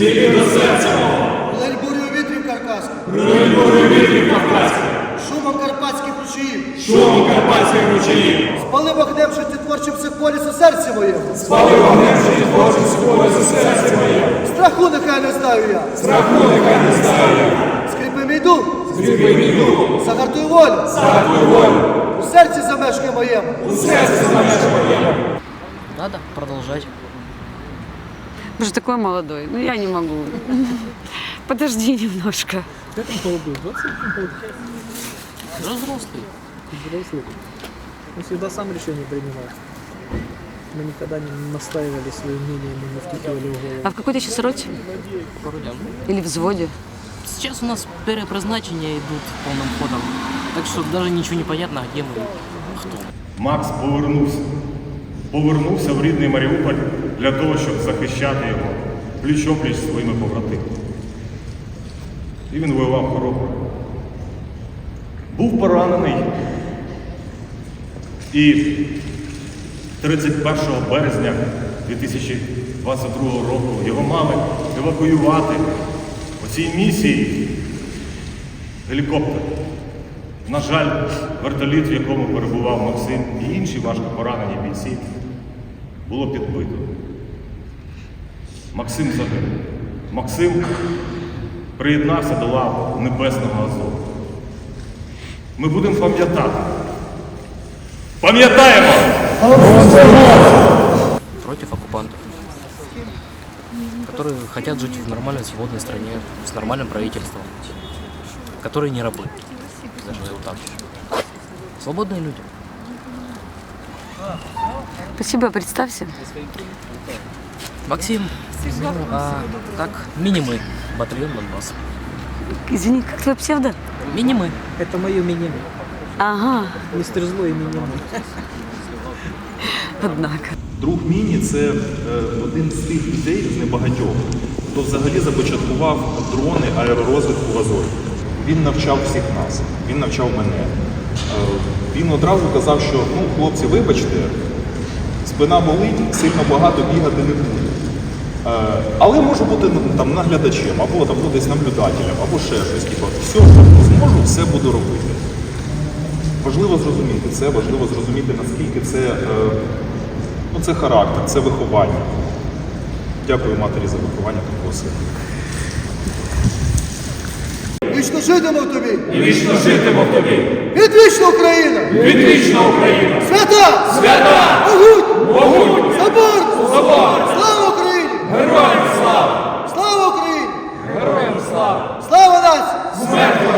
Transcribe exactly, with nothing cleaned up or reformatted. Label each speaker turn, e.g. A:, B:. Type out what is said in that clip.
A: Стільки до серця мого.
B: Лель бурю вітрів каркаських.
A: Прилинь бурю вітрів кавказьких.
B: Шумом карпатських ручаїв.
A: Шумом карпатських ручаїв.
B: Спали вогнем життєтворчим психполіс у серці моєму.
A: Спали вогнем життєтворчим психполіс у серці моєму.
B: Страху нехай не знаю я.
A: Страху нехай не знаю я.
B: Скріпи мій дух.
A: Скріпи мій дух.
B: Загартуй волю.
A: Загартуй волю.
B: У серці замешкає моєму.
A: У серці замешкає моєму.
C: Надо продолжать.
D: Вы же такой молодой. Ну, я не могу. Подожди немножко.
E: Как он молодой? двадцать лет?
C: Уже взрослый.
E: Взрослый. Он всегда сам решение принимал. Мы никогда не настаивали свое мнение, мы не втыкивали в голову.
D: А в какой ты сейчас роте?
C: Вроде.
D: Или взводе?
C: Сейчас у нас перепризначения идут полным ходом. Так что даже ничего не понятно, где мы, кто.
F: Макс повернувся. Повернувся в рідний Маріуполь для того, щоб захищати його пліч-опліч зі своїми побратимами. І він воював хоробро. Був поранений. І тридцять першого березня дві тисячі двадцять другого року його мали евакуювати по цій місії гелікоптер. На жаль, вертоліт, в якому перебував Максим і інші важко поранені бійці, було підбито. Максим загинув. Максим приєднався до лав Небесного Азову. Ми будемо пам'ятати. Пам'ятаємо!
C: Против оккупантов, которые хотят жить в нормальной свободной стране, с нормальным правительством, которые не рабы. Даже вот так. Свободные люди.
D: Спасибо, представься.
C: Максим, ну, а так, мини-мы, батальон Донбасс.
D: Извини, как твой псевдо?
C: Мини-мы.
E: Это мое мини.
D: Ага,
E: Мистер Злой и мини.
D: однако.
G: Друг Міні – це е, один з тих людей, з небагатьох, хто взагалі започаткував дрони аеророзвитку в Азові. Він навчав всіх нас, він навчав мене. Е, він одразу казав, що ну, хлопці, вибачте, спина болить, сильно багато бігати не буду. Е, але можу бути там наглядачем, або там, ну, десь наблюдателем, або ще щось. Типу, все, що зможу, все буду робити. Важливо зрозуміти це, важливо зрозуміти, наскільки це, е, ну, це характер, це виховання. Дякую матері за виховання такого сина.
B: Вічно житиму в тобі.
A: І вічно житиму в тобі.
B: Відвічна Україна.
A: Відвічна Україна.
B: Свята!
A: Свята!
B: Могуть!
A: Могуть!
B: Собор!
A: Собор!
B: Слава Україні!
A: Героям слава!
B: Слава Україні!
A: Героям слава!
B: Слава нації!
A: Смерть